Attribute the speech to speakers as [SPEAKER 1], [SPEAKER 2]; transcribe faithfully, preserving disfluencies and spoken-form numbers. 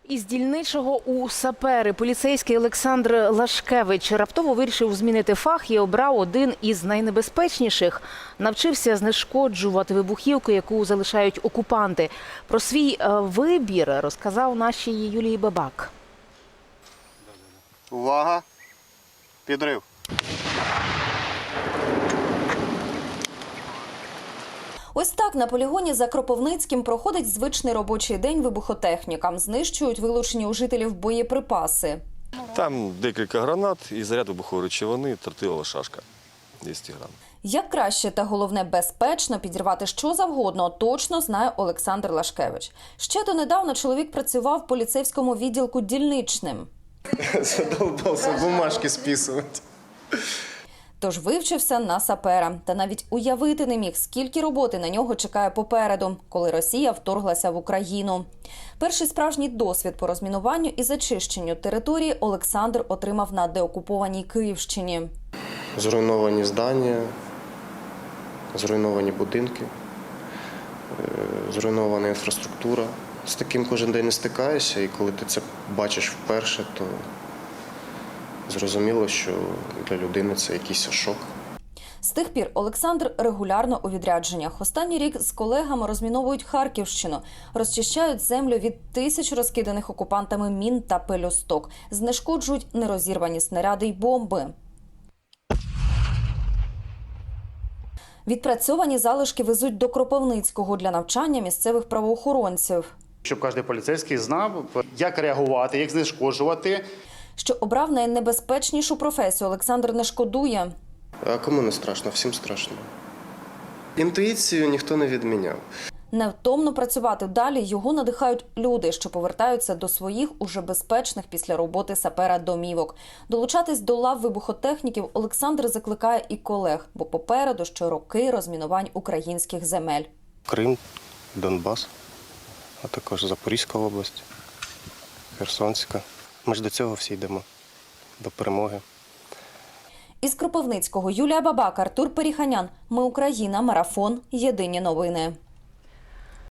[SPEAKER 1] Із дільничого у сапери поліцейський Олександр Лашкевич раптово вирішив змінити фах і обрав один із найнебезпечніших. Навчився знешкоджувати вибухівку, яку залишають окупанти. Про свій вибір розказав нашій Юлії Бабак.
[SPEAKER 2] Увага! Підрив!
[SPEAKER 3] Ось так на полігоні за Кропивницьким проходить звичний робочий день вибухотехнікам. Знищують вилучені у жителів боєприпаси.
[SPEAKER 4] Там декілька гранат і заряд вибухової речовини, тротилова шашка двісті грам.
[SPEAKER 3] Як краще та, головне, безпечно підірвати що завгодно, точно знає Олександр Лашкевич. Ще донедавна чоловік працював в поліцейському відділку дільничним.
[SPEAKER 2] Задовбався бумажки списувати.
[SPEAKER 3] Тож вивчився на сапера. Та навіть уявити не міг, скільки роботи на нього чекає попереду, коли Росія вторглася в Україну. Перший справжній досвід по розмінуванню і зачищенню території Олександр отримав на деокупованій Київщині.
[SPEAKER 2] Зруйновані здання, зруйновані будинки, зруйнована інфраструктура. З таким кожен день не стикаєшся, і коли ти це бачиш вперше, то зрозуміло, що для людини це якийсь шок.
[SPEAKER 3] З тих пір Олександр регулярно у відрядженнях. Останній рік з колегами розміновують Харківщину, розчищають землю від тисяч розкиданих окупантами мін та пелюсток, знешкоджують нерозірвані снаряди й бомби. Відпрацьовані залишки везуть до Кропивницького для навчання місцевих правоохоронців.
[SPEAKER 5] Щоб кожен поліцейський знав, як реагувати, як знешкоджувати.
[SPEAKER 3] Що обрав найнебезпечнішу професію, Олександр не шкодує.
[SPEAKER 2] А кому не страшно? Всім страшно. Інтуїцію ніхто не відміняв.
[SPEAKER 3] Невтомно працювати далі його надихають люди, що повертаються до своїх уже безпечних після роботи сапера домівок. Долучатись до лав вибухотехніків Олександр закликає і колег, бо попереду ще роки розмінувань українських земель.
[SPEAKER 2] Крим, Донбас, а також Запорізька область, Херсонська. Ми ж до цього всі йдемо, до перемоги.
[SPEAKER 3] Із Кропивницького Юлія Бабак, Артур Періханян. Ми Україна. Марафон. Єдині новини.